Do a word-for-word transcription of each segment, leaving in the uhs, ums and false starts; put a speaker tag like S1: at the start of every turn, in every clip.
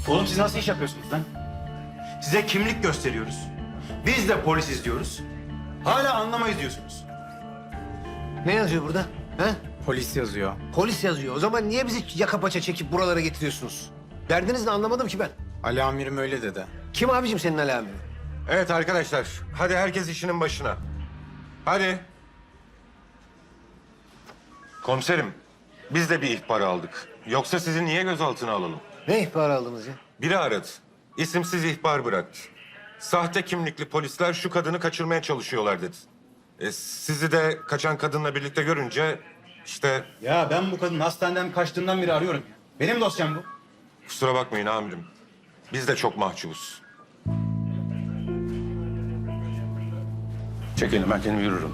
S1: Oğlum siz nasıl iş yapıyorsunuz lan? Size kimlik gösteriyoruz. Biz de polisiz diyoruz. Hala anlamayız diyorsunuz.
S2: Ne yazıyor burada? He?
S3: Polis yazıyor.
S2: Polis yazıyor. O zaman niye bizi yaka paça çekip buralara getiriyorsunuz? Derdiniz ne anlamadım ki ben.
S3: Ali amirim öyle dedi.
S2: Kim abicim senin alamin?
S4: Evet arkadaşlar, hadi herkes işinin başına. Hadi. Komiserim, biz de bir ihbar aldık. Yoksa sizi niye gözaltına alalım?
S2: Ne ihbarı aldınız ya?
S4: Biri aradı. İsimsiz ihbar bıraktı. Sahte kimlikli polisler şu kadını kaçırmaya çalışıyorlar dedi. E, sizi de kaçan kadınla birlikte görünce işte
S1: Ya ben bu kadının hastaneden kaçtığından beri arıyorum. Benim dosyam bu.
S4: kusura bakmayın amirim. Biz de çok mahcubuz.
S5: Çekelim, ben kendim yürürüm.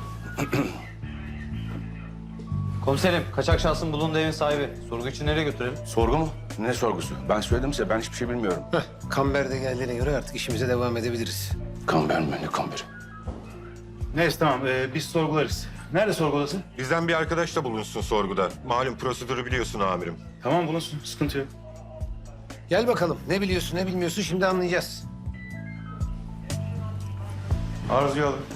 S6: Komiserim, kaçak şahsın bulunduğu evin sahibi. Sorgu için nereye götürelim?
S5: Sorgu mu? Ne sorgusu? Ben söyledim size, ben hiçbir şey bilmiyorum.
S2: Heh, Kamber de geldiğine göre artık işimize devam edebiliriz.
S5: Kamber mi? Ne kamberi?
S1: Neyse tamam ee, biz sorgularız. Nerede sorgu odası?
S4: Bizden bir arkadaş da bulunsun sorguda. Malum prosedürü biliyorsun amirim.
S1: Tamam bulunsun sıkıntı yok.
S2: Gel bakalım. Ne biliyorsun ne bilmiyorsun şimdi anlayacağız.
S1: Arzuyu alın.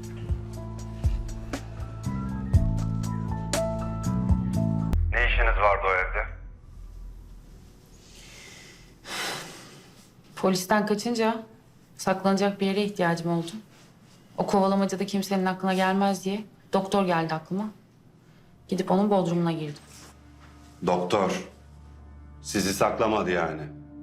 S4: Ne işiniz vardı o evde?
S7: Polisten kaçınca saklanacak bir yere ihtiyacım oldu. O kovalamacada kimsenin aklına gelmez diye doktor geldi aklıma. Gidip onun bodrumuna girdim.
S8: Doktor sizi saklamadı yani.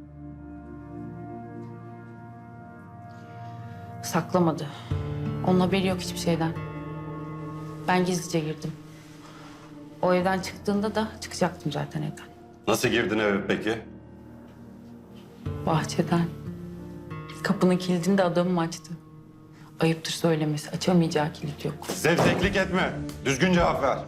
S7: Saklamadı. Onun haberi yok hiçbir şeyden. Ben gizlice girdim. O evden çıktığında da çıkacaktım zaten evden.
S8: Nasıl girdin eve peki?
S7: Bahçeden. Kapının kilidini de adamım açtı. Ayıptır söylemesi. Açamayacağı kilit yok.
S8: Zevzeklik etme. Düzgün cevap ver.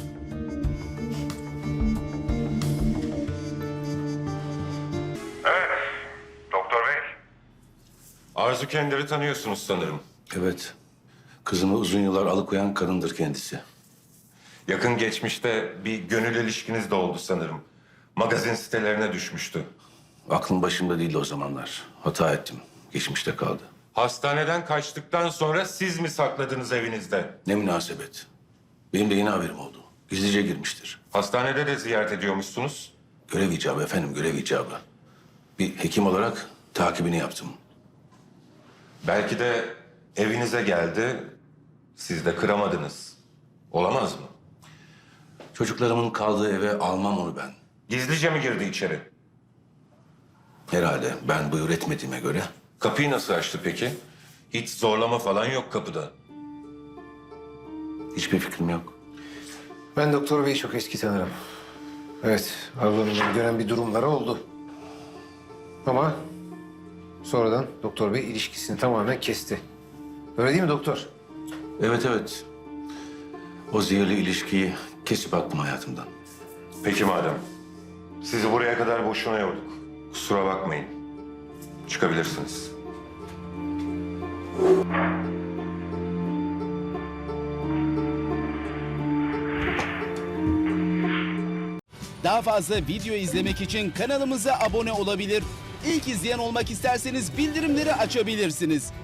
S4: Doktor bey. Arzu Kender'i tanıyorsunuz sanırım.
S5: Evet. Kızımı uzun yıllar alıkoyan kadındır kendisi.
S4: Yakın geçmişte bir gönül ilişkiniz de oldu sanırım. Magazin sitelerine düşmüştü.
S5: Aklım başımda değildi o zamanlar. Hata ettim. Geçmişte kaldı.
S4: Hastaneden kaçtıktan sonra siz mi sakladınız evinizde?
S5: Ne münasebet. Benim de yeni haberim oldu. Gizlice girmiştir.
S4: Hastanede de ziyaret ediyormuşsunuz.
S5: Görev icabı efendim, görev icabı. Bir hekim olarak takibini yaptım.
S4: Belki de evinize geldi, siz de kıramadınız. Olamaz mı?
S5: Çocuklarımın kaldığı eve almam onu ben.
S4: Gizlice mi girdi içeri?
S5: Herhalde ben buyur etmediğime göre.
S4: Kapıyı nasıl açtı peki? Hiç zorlama falan yok kapıda.
S5: Hiçbir fikrim yok.
S2: Ben Doktor Bey'i çok eski tanırım. Evet, aralarında dönen bir durumları oldu. Ama sonradan Doktor Bey ilişkisini tamamen kesti. Öyle değil mi doktor?
S5: Evet evet. O zehirli ilişkiyi kesip attım hayatımdan.
S4: Peki madem. Sizi buraya kadar boşuna yorduk. Kusura bakmayın. Çıkabilirsiniz.
S9: Daha fazla video izlemek için kanalımıza abone olabilir. İlk izleyen olmak isterseniz bildirimleri açabilirsiniz.